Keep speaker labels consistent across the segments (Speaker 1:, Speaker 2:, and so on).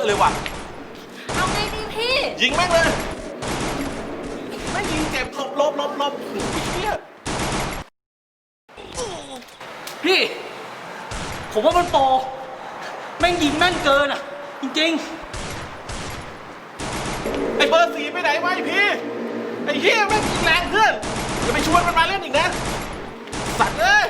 Speaker 1: เลยว่ะ
Speaker 2: เอาไงดีพี่
Speaker 1: ยิงแม่งเลยไม่ยิงเจ็บลบเฮีย
Speaker 3: พี่ผมว่ามันโปรแม่งยิงแม่นเกินอ่ะจริง
Speaker 1: ไอ้เบอร์4ไปไหนวะไอ้พี่ไอ้เฮียแม่งยิงแรงเพื่อนอย่าไปชวนมันมาเล่นอีกนะสัตว์เอ้ย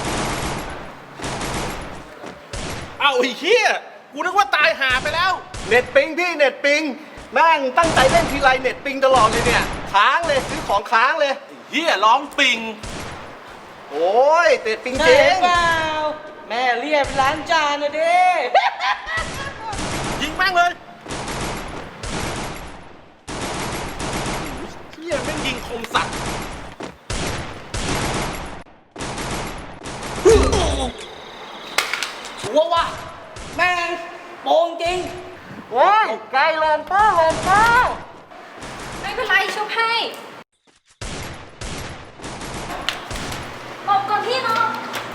Speaker 1: เอาไอ้เฮียกูนึกว่าตายหาไปแล้ว
Speaker 4: เน็ตปิงพี่เน็ตปิงแม่งตั้งใจเล่นทีไรเน็ตปิงตลอดเลยเนี่ยค้างเลยซื้อของค้างเลย
Speaker 1: เฮียร้องปิง
Speaker 4: โอ้ยเน็ตปิง
Speaker 3: ๆ
Speaker 4: จริง
Speaker 3: เปล่าแม่เรียบล้างจานนะเด้
Speaker 1: ยิงแม่งเลยเฮียแม่งยิงคมสัตว์
Speaker 3: ชัวร์ว่ะแม่งโปรจริง
Speaker 4: โอ้ยไกลลงป้า
Speaker 2: ไม่เป็นไรชุบให้หลบก่อนพี่เนาะ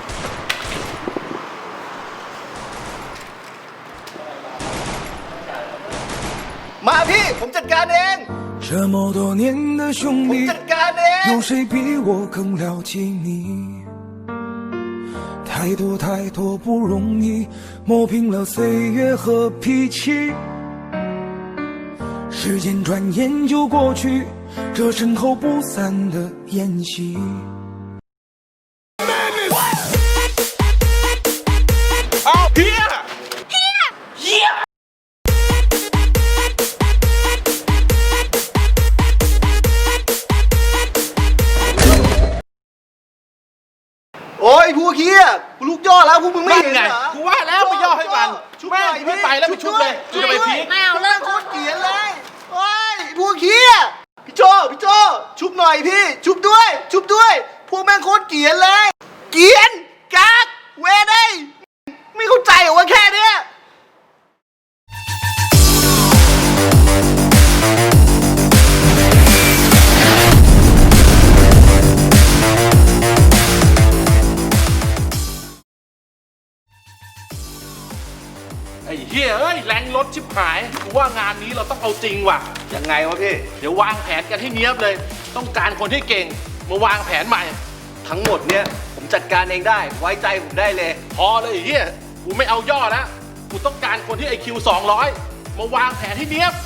Speaker 4: มาพี่ผมจัดการเอง
Speaker 5: 这么多年的兄
Speaker 4: ผม
Speaker 5: 弟
Speaker 4: จัดการเอง
Speaker 5: 有谁比我更了解你太多太多不容易磨平了岁月和脾气时间转眼就过去这身后不散的宴席
Speaker 1: เอาเฮีย
Speaker 4: โอ้ยพวกเฮียกูลูกย่อแล้วพวกมึงไม่
Speaker 1: นั่น
Speaker 4: เห็น
Speaker 1: ไง
Speaker 4: เหรอ
Speaker 1: กูว่าแล้วไปย่อให้มัน
Speaker 4: ชุบห
Speaker 1: แม่
Speaker 4: น่
Speaker 1: ง
Speaker 4: อย
Speaker 1: ไม่ไปแล้วไปชุบเลยชุบไปพีค
Speaker 2: ไม่เอาเลิก
Speaker 4: โคตรเกลียดเลยโอ้ยพวกเฮียพี่โจชุบหน่อยพี่ชุบด้วยพวกแม่งโคตรเกลียดเลยเกลียนกากเวได้ไม่เข้าใจเหรอว่าแค่เนี้ย
Speaker 1: ไอ้เฮียเอ้ยแรงรถชิบหายกูว่างานนี้เราต้องเอาจริงว่ะ
Speaker 4: ยังไงวะพี่
Speaker 1: เดี๋ยววางแผนกันให้เนี้ยบเลย ต้องการคนที่เก่งมาวางแผนใหม่
Speaker 4: ทั้งหมดเนี่ยผมจัดการเองได้ไว้ใจผมได้เลย
Speaker 1: พอเลยไอ้เฮียกูไม่เอาย่อแล้วกูต้องการคนที่ IQ 200มาวางแผนให้เนี้ยบ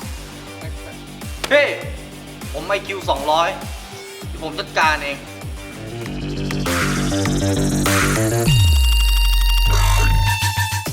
Speaker 4: พี่ผมIQ 200ที่ผมจัดการเอง